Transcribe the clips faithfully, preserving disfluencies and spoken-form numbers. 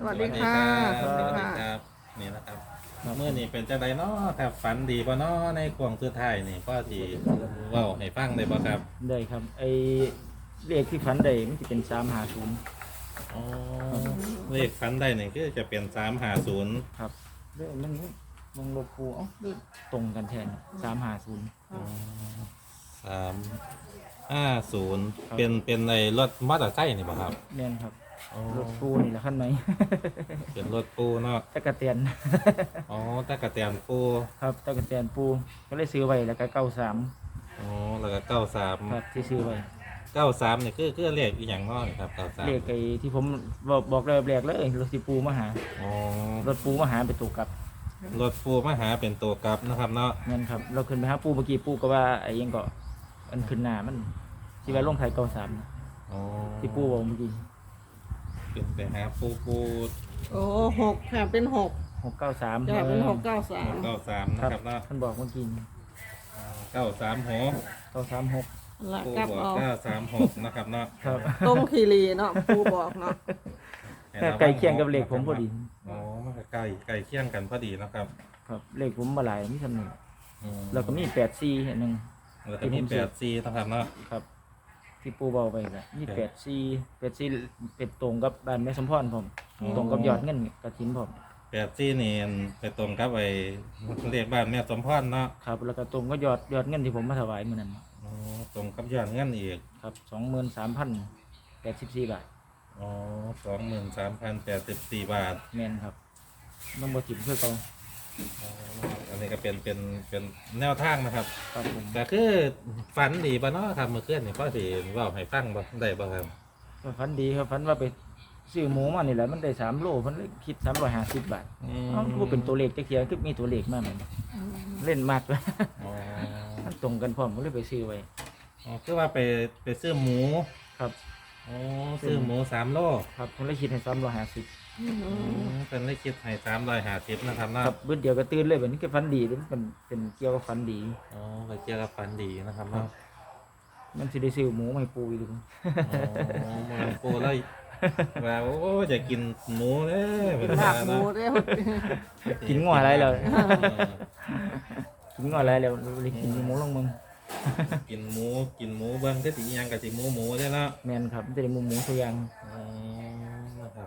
วัสดีค่ะสวัสดีครับนี่นะครับเมื่อนี้เป็นจังไดเนาะครับฝันดีบ่เนาะในกวงสุดท้ายนี่พ่อสิเว้าให้ฟังได้บ่ครับได้ครับไอเลขที่ฝันได้มันจะเป็นสามหาศูนย์อ๋อเลขฝันได้นี่คือจะเป็นสามห้าศูนย์ครับเรื่องมันมันลบคูเอ้าเรื่องตรงกันแทนสามหาศูนย์สามห้าศูนย์ครับเป็นเป็นในรถมอเตอร์ไซค์นี่บ่ครับแน่นครับอ๋อรถปูนี่แหละขั้นไหนเป็นรถปูเนาะตะกะเตียนอ๋อตะกะแตนปูครับตะกะเตียนปูก็เลยซื้อไว้แล้วก็เก้าสามอ๋อแล้วก็เก้าสามครับที่ซื้อไว้เก้าสามนี่คือคือเลขอีหยังเนาะนี่ครับเก้าสามเลขไอ้ที่ผมบอกบอกเลยแรกเลยรถที่ปูมาหาอ๋อรถปูมาหาไปตกกับรถปูมาหาเป็นตัวกลับนะครับเนาะเงินครับเราขึ้นไปหาปูเมื่อกี้ปูก็ว่าไอ้ยังก็มันขึ้นหน้ามันที่ว่าลงไทยเก้าสามอ๋อที่ปูบอกเมื่อกี้เป็นไปหาปูปูโอ้หกค่ะเป็นหกหกเก้าสามจะเป็นหกเก้าสามเก้าสามนะครับครับเนาะท่านบอกเมื่อกี้เก้าสามหกเก้าสามหกละปูกลับบอกเอาเก้าสามหกนะครับเนาะครับตรงคีรีเนาะปูบอกเนาะให้แค่ระวัไก่เคียงกับเลขผมพอดีอ๋อมันก็ใกล้ใกล้เคียงกันพอดีนะครับครับเลขผมมาหลายนี่ทำหนึ่งอืมแล้วก็มีแปดซีอันหนึ่งแล้วก็มีแปดซีนะครับเนาะครับ ที่ปูเบาไปแหละมีแปดซีแปดซีเป็นตรงกับบ้านแม่สมพรผมตรงกับยอดเงินกระถินผมแปดซีนี่ไปตรงกับไอ้เลขบ้านแม่สมพรเนาะครับแล้วก็ตรงก็ยอดยอดเงินที่ผมมาถวายเมื่อนั้นอ๋อตรงกับยอดเงินอีกครับสองหมื่นสามพันแปดสิบสี่บาทอ๋อสองหมื่นสามพันแปดสิบสี่บาทแมนครับมันบ่ถิ่มเพื่อเขาอ๋ออันนี้ก็เป็นเป็นเป็นแนวทางนะครับครับผมก็คือฝันดีบ่เนาะครับเมื่อคืนนี่พ่อสิเว้าให้ฟังบ่ได้บ่ครับก็ฝันดีครับฝันว่าไปซื้อหมูมานี่แหละมันได้สามโลมันเลยคิดสามร้อยห้าสิบบาทอืมเอ้าว่าเป็นตัวเลขจะเขียนคือมีตัวเลขมากเลยเล่นมากเลยอ๋อมันตรงกันพร้อมก็เลยไปซื้อไว้อ๋อคือว่าไปไปซื้อหมูครับอ๋อซื้อหมูสามโลครับผมเลยคิดให้สามร้อยห้าสิบอืมอืมเป็นเลขคิดให้สามร้อยห้าสิบนะครับเนาะครับเบื้อเดียวก็ตื่นเลยแบบนี้ก็ฝันดีเลยมันเป็นเป็นเกี่ยวกับฝันดีอ๋อก็เกี่ยวกับฝันดีนะครับครัเนาะบ มันสิได้ซื้อหมูมาให้ปูอีกดูอ๋อมันปูแล้วว่าโอ้จะกินหมูเด้อเป็นลาบหมูเด้อกินงัวอะไรเลยเออกินงัวอะไรแล้วเลยกินหมูลงมึงกินหมูกินหมูเบิ่งก็สิอิหยังก็สิหมูหมูเด้อเนาะแมนครับมันจะได้หมูหมูตัวอย่างอ๋อนะครับ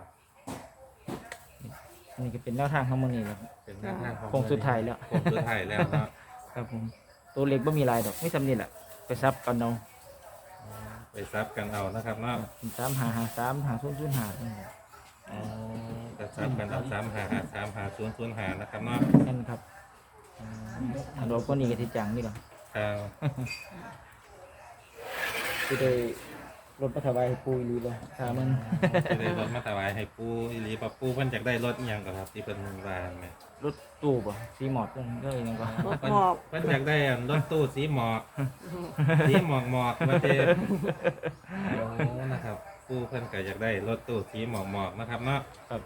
อันนี้ก็เป็นแนวทางของมันนี่แหละเป็นแนวทางของโค้งสุดท้ายแล้วโค้งสุดท้ายแล้วเนาะครับผมตัวเล็กไม่มีลายดอกไม่ทำนี่แหละไปซับกันเอาไปซับกันเอานะครับเนาะสามหาหาสามหาศูนย์ศูนย์หาอ๋อจะซับกันเอาสามหาหาสามหาศูนย์ศูนย์หานะครับเนาะนั่นครับอันเราก็นี่ก็ที่จังนี่หรอครับที่ได้รถมาถวายให้ปูอีหลีเลยถามมันจะได้รถมาถวายให้ปูอีหลีปะปูเพิ่นอยากได้รถอีหยังก็ครับที่เพิ่นว่าแม่รถตู้ป่ะซีหมอดก็เลยยังก็รถเพิ่นหอบเพิ่นอยากได้อันรถตู้สีหมอกสีหมอกหมอกมาเจโอ้นะครับปูเพิ่นก็อยากได้รถตู้สีหมอกหมอกนะครับเนาะครับ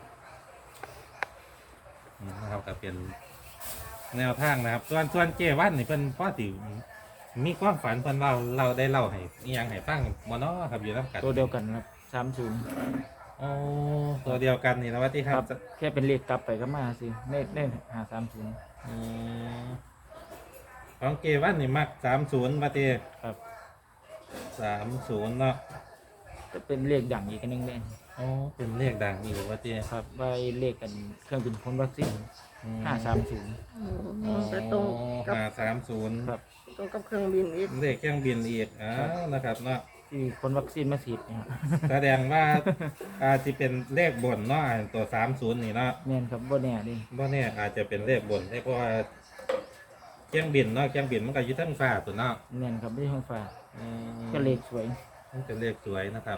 อืมนะครับก็เป็นแนวทางนะครับส่วนส่วนเจวันนี่เพิ่นพอสิมีความฝันเพิ่นเล่าเราได้เล่าให้อีหยังให้ฟังบ่เนาะครับอยู่นํกันตัวเดียวกันครับสามศูนย์โอ้ตัวเดียวกันนี่นะว่าที่คครัรับบแค่เป็นเลขกลับไปก็มาสิเน่เน่หาสามศูนย์อืมของเกวันนี่มักสามศูนย์มาตีครับสามศูนย์เนาะจะเป็นเลขดังอีกอันหนึงเลยโอ้เป็นเลขดังอยู่ว่าตีครับไว้เลขกันเครื่องบินพ่นวัคซีนห้าสามศูนย์อืมไปตรงกับห้าสามศูนย์ครับตรงกับเครื่องบินอีกเลขเครื่องบินอีกอ้าครับวนะครับเนาะที่พ่นวัคซีนมาฉีดเนี่ยครับแสดงว่าอาจจะเป็นเลขบนเนาะอันตัวสามศูนย์นี่เนาะแม่นครับบ่แน่ดิว่าเนี่ยอาจจะเป็นเลขบนได้เพราะว่าเครื่องบินเนาะเครื่องบินมันก็อยึดทั้งฟ้าตัวเนาะแม่นครับไม่ใช่ห้องฟ้าอืมก็เลขสวยมันเป็นเลขสวยนะครับ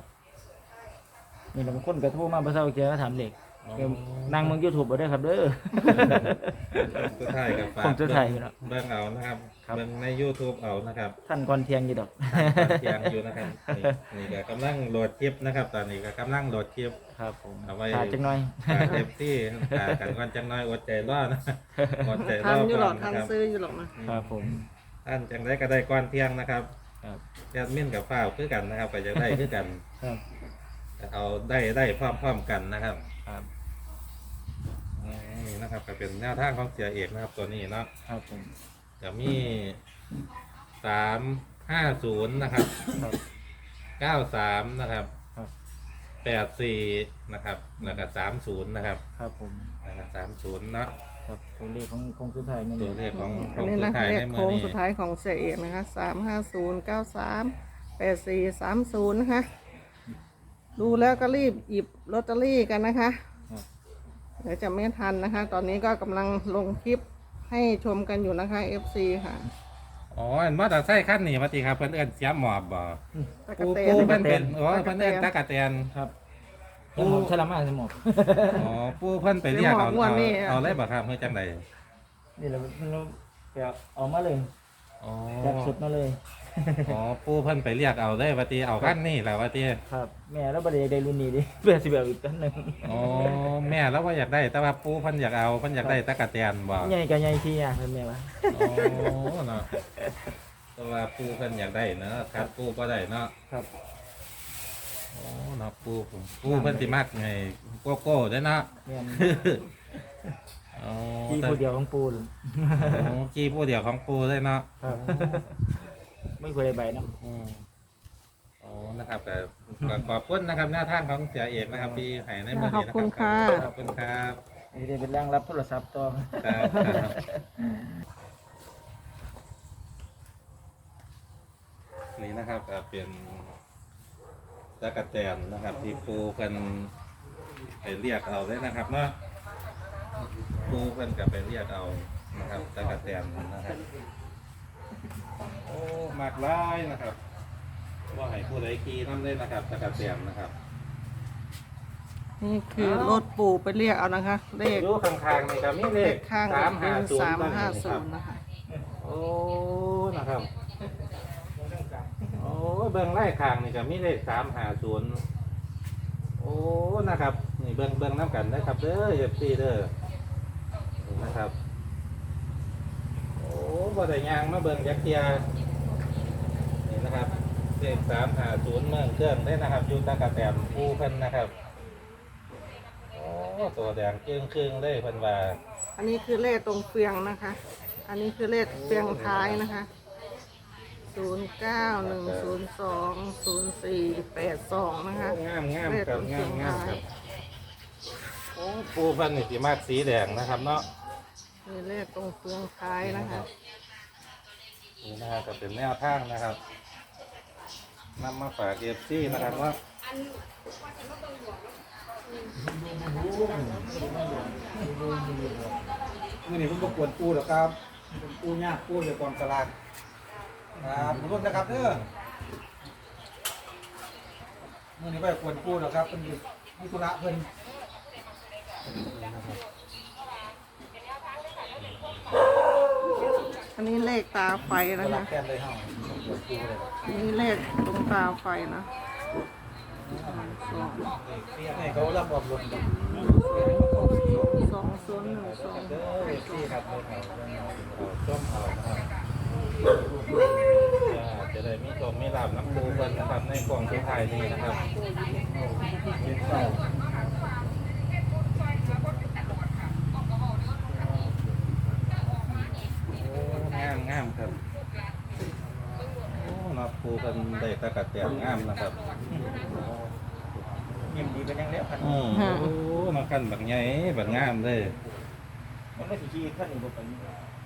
นี่เราบางคนกระทู้มาเพื่อเศร้าเจอก็ถามเลขอ๋อเดี๋ยวนั่งมึงยูทูบเอาได้อครับเด้อสุดท้ายกับฝากผมสุดท้ายอยู่แล้วเบิ่งเอานะครับครับเบิ่งใน YouTube เอานะครับท่านก่อนเที่ยงอยู่ดอกเทียงอยู่นะครับนี่นี่ก็กำลังโหลดคลิปนะครับ ตอนนี้ก็กำลังโหลดคลิปครับผมเอาไว้ขาดจังหน่อยขาเอฟที่ขากันก่อนจังน้อยอดใจรอนะอดใจรทัอนอยู่หรก่ออก นทันะนครับซื้ออยู่หรอกนะครับผมท่านจังได้ก็ได้ก่อนเที่ยงนะครับครับแอดมินกับฝ้าวคือกันนะครับก็จะได้คือกันครับเอาได้ได้พร้อมๆกันนะครับคครับนี่นะครับก็เป็นแนวทางของเสียเอกนะครับตัวนี้เนาะครับผมจะมีสามห้าศูนย์นะครับครับเก้าสามนะครับครับแปดสี่นะครับแล้วก็สามศูนย์นะครับครับผมแล้วก็สามศูนย์เนาะครับตัวเลขของของสุดท้ายนี่ตัวเลขของขอัอน งนี้สุนะดท้ายเลในขมืโค้อง นี้สุดท้ายของเสียเอกนะคะสามห้าศูนย์เก้าสามแปดสี่สามศูนย์นะคะดูแล้วก็รีบหยิบลอตเตอรี่กันนะคะครับเดี๋ยวจะไม่ทันนะคะ ตอนนี้ก็กำลังลงคลิปให้ชมกันอยู่นะคะ เอฟ ซี ค่ะอ๋ออันมอเตอร์ไซค์คันนี้มาตีครับเพิ่นเอิ้นเสียหมอบบ่ตะกะปูแตปูนเพิ่นเป็นอ๋อเพิ่นเอิ้นตะกะแตนครับแล้วผมฉลาดมากสมองอ๋อปูเพิ่นไปเรียกเอาเสียหมอบงวดเอานี่เอาเลยบ่ครับเพื่อจังใดนี่เราเราไปเอามาเลยอ๋อจากสุดมาเลยอ๋อปูเพิ่นไปเรียกเอาเลยว่าตีเอาคันนี้แหละว่าตีครับ แม่แล้วประเดี๋ยวได้รุ่นนี้ดิ เพื่อสิแบบอีกตันหนึ่งอ๋อแม่แล้วว่าอยากได้แต่ว่าปูเพิ่นอยากเอาเพิ่นอยากได้ตะกะแตนบ่ใหญ่กับใหญ่ที่ยากเป็นแม่วะอ๋อเนาะแต่ว่าปูเพิ่นอยากได้เนาะครับปูก็ได้เนาะครับอ๋อเนาะปูปูเพิ่นสิมักไงโกโก้เด้อเนาะแม่นอ๋อที่ผู้เดียวของปูนอ๋อกี้ผู้เดียวของปูเลยเนาะครับ ไม่เคยได้ใบนะอืมอ๋อนะครับแต่ก็ขอบคุณนะครับหน้าทางของเสียเอกนะครับที่ให้ในมือนี้นะขอบคุณค่ะขอบคุณครับนี่ได้เป็นร่างรับโทรศัพท์ต่อครับครับนี่นะครับก็เป็นตะกะแตนนะครับ ที่ปูเพิ่นไปเรียกเอาเลยนะครับเนาะปูเพิ่นก็ไปเรียกเอานะครับตะกะแตนนะครับโอ้มากหลายนะครับว่าให้ผู้ใดขี่น้ำเล่นนะครับตะกะแตนนะครับนี่คือรถปู่ไปเรียกเอานะคะ เลขอยู่ข้างๆนี่ครับมีเลเลขขข้างสามห้าเป็นศูนสามย์ห้าคศูรับนย์นะคะโอ้นะครับโอ้เบื้องไล่ข้างนี่ก็มีเลขสามห้าศูนย์โอ้นะครับนี่เบื้องเบื้องน้ำกันนะครับเด้อเอฟซีเด้อนี่นะครับ โอ้บ่ได้ยางมาเบิ่งยักษ์เทียนี่นะครับเลขสามห้าศูนย์เมืองเครื่องได้นะครับอยู่ตะกะแตนผู้เพิ่นนะครับโอ้ตัวแดงจึงครึ่งเลยเพิ่นว่าอันนี้คือเลขตรงเฟียงนะคะ อันนี้คือเลขเฟียงท้ายนะคะศูนย์เก้าหนึ่งศูนย์สองศูนย์สี่แปดสองนะคะโอ้งามงามเลขครัตบรงงาเฟียมงงามท้าครัยบโอ้ปูเพิ่นนี่สิมากสีแดงนะครับเนาะมีเลขตรงเฟืองท้ายนะคะนี่นะครับก็เป็นแนวทางนะครับนำมาฝากเอฟซีนะครับว่ามื่อนี้ผมประกวดปูหรอกครับเป็นปูยากปูเดี๋ยวกองสลากครับขอบคุณนะครับเด้อมื่อนี้ไปประกวดปูหรอกครับเป็นอยู่มิธุระเพิ่นอันนี้เลขตาไฟสนะลาคะกแทนเลยเฮาประกวดปูเลยอันนี้เลขตรงตาไฟนะสองให้เขารับอบรมกันสองศูนย์หนึ่งสองเด้อเอฟซีครับเด้อเอาเด้อเอาส้มเอานะครับอ่าจะได้มีโชคมีลาบน้ำปูเพิ่นนะครับในกล่องสุดท้ายนี้นะครับเป็นเก้าโอ้งามงามครับโอ้เนาะปูเพิ่นได้ตะกะแตนงามนะครับยิ้มดีเป็นยังเลี้ยวพันอืมโอ้มากันแบบใหญ่แบบงามเลยมันไม่สิขี้ขั้นอีกบ่ไปนี่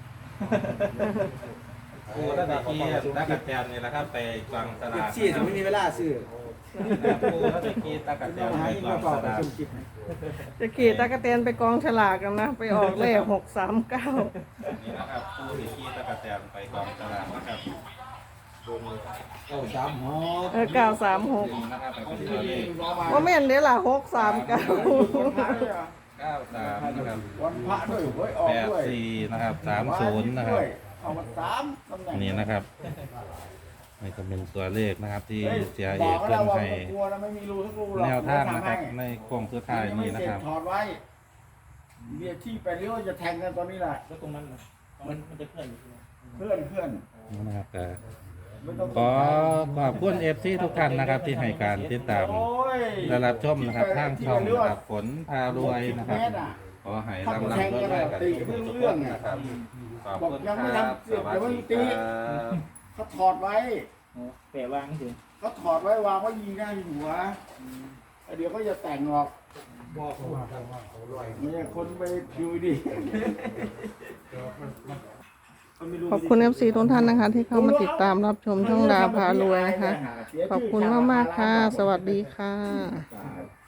ปูตั้งแต่กี้ตะกะแตนนี่แหละครับไปกวางสลากซี่จะไม่มีเวลาซื้อปูตั้งแต่กี้ตะกะแตนหาไปยิ่งกวางประกสอบไปลากชุมจิตจะขี่ตะกะเตนไปกองฉลากกันนะ ไปออกเลขหกสามเก้านี่นะครับปูที่กี้ตะกะแตนไปกวางสลากนะครับเก้าสามหกเออเก้าสามหกนี่นะครับไปเป็นตัวเลขว่าแม่นเดี๋ยวล่ะหกสามเก้าเก้าสามนะครับวันพระด้วยเว้ยออกแปดด้วยสี่นะครับสามศูนย์นะครับเอามาสามตำแหน่งนี่นะครับนี่ก็เป็นตัวเลขนะครับ ที่ฮ้ยเสียเอกบเพิ่แล้นวว่าให้ผมกลัวนะไม่มีรูทุกรูหรอกแนวทางนะครับผมในโครงสุดท้ายนี้นะครับถอดไว้เบียร์ที่ไปเลี้ยวจะแทงกันตอนนี้แหละแล้วตรงนั้นน่ะมันมันจะเคลื่อนอยู่ใช่ไหมเพื่อนเพื่อนนี่นะครับแต่ขอขอบคุณเอฟซีทุกท่านนะครับ ที่ให้การติดตามและรับชมนะครับทางช่องนะครับฝนพารวยนะครับขอให้ร่ำรำรวยๆกันทุกคนนะครับขอบคุณครับสวัสดีครับเขาถอดไว้โอ้แปะวางสิเขาถอดไว้วางไว้ยิงหน้ายิงหัวเดี๋ยวเขาจะแต่งออกบอกเขาว่าเขาว่าเขาลอยไม่ใช่คนไปดูดิขอบคุณเอฟซีทุกท่านนะคะ ที่เข้ามาติดตามรับชมช่องดาวพารวยนะคะ ขอบคุณมากๆค่ะ สวัสดีค่ะครับ